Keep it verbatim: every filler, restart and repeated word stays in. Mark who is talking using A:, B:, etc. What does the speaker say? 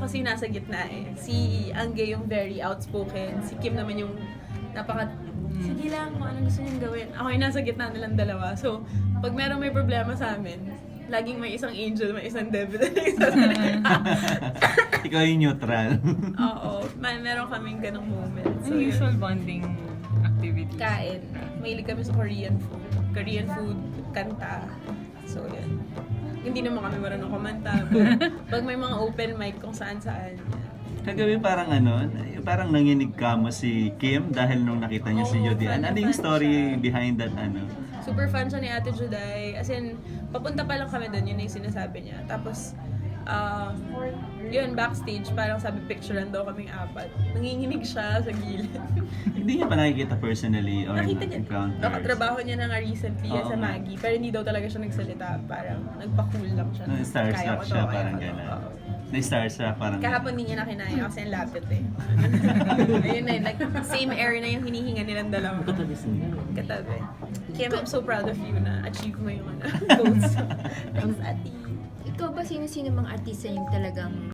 A: kasi nasa gitna eh. Si Angge yung very outspoken, si Kim naman yung napaka, sige lang kung anong gusto niyang gawin. Ako yung nasa gitna nilang dalawa. So, pag merong may problema sa amin, laging may isang angel, may isang devil, may isang
B: Ikaw yung neutral.
A: Oo, may meron kaming ganong moment.
C: So,
A: So,
C: usual
A: yun.
C: bonding activities.
A: Kain. Mahilig kami sa Korean food. Korean food, kanta. So, yun. Hindi naman kami marunong kumanta. But pag may mga open mic kung saan-saan.
B: Kagabi parang ano, parang nanginig ka mo si Kim dahil nung nakita niya si
A: Oo,
B: Judy.
A: fan
B: Ano
A: na
B: yung
A: fan
B: story
A: siya.
B: behind that ano?
A: Super fan siya ni Ate Juday. As in, papunta pa lang kami doon, yun na yung sinasabi niya. Tapos, um, yun, backstage, parang sabi, picturean daw kaming apat. Nanginginig siya sa gilid.
B: Hindi niya pa nakikita personally or
A: Nakita niya,
B: encounters?
A: nakatrabaho niya na nga recently yan
B: Oo
A: sa
B: nga.
A: Maggie, pero hindi daw talaga siya nagsalita. Parang nagpa-cool lang siya.
B: No,
A: Kaya
B: starstruck
A: ko to,
B: siya,
A: kaya
B: parang
A: ko to.
B: gano'n.
A: Oo.
B: Na-starstruck, parang
A: Kahapon hindi niya na kinaya kasi ang lapit eh. Ayun na, like, same air na yung hinihinga nilang dalawa.
B: Katabi siya.
A: Katabi. Kim, I'm so proud of you na achieve mo yung ano, goals. Thanks, Ate.
D: Ikaw ba sino-sino mga artista yung talagang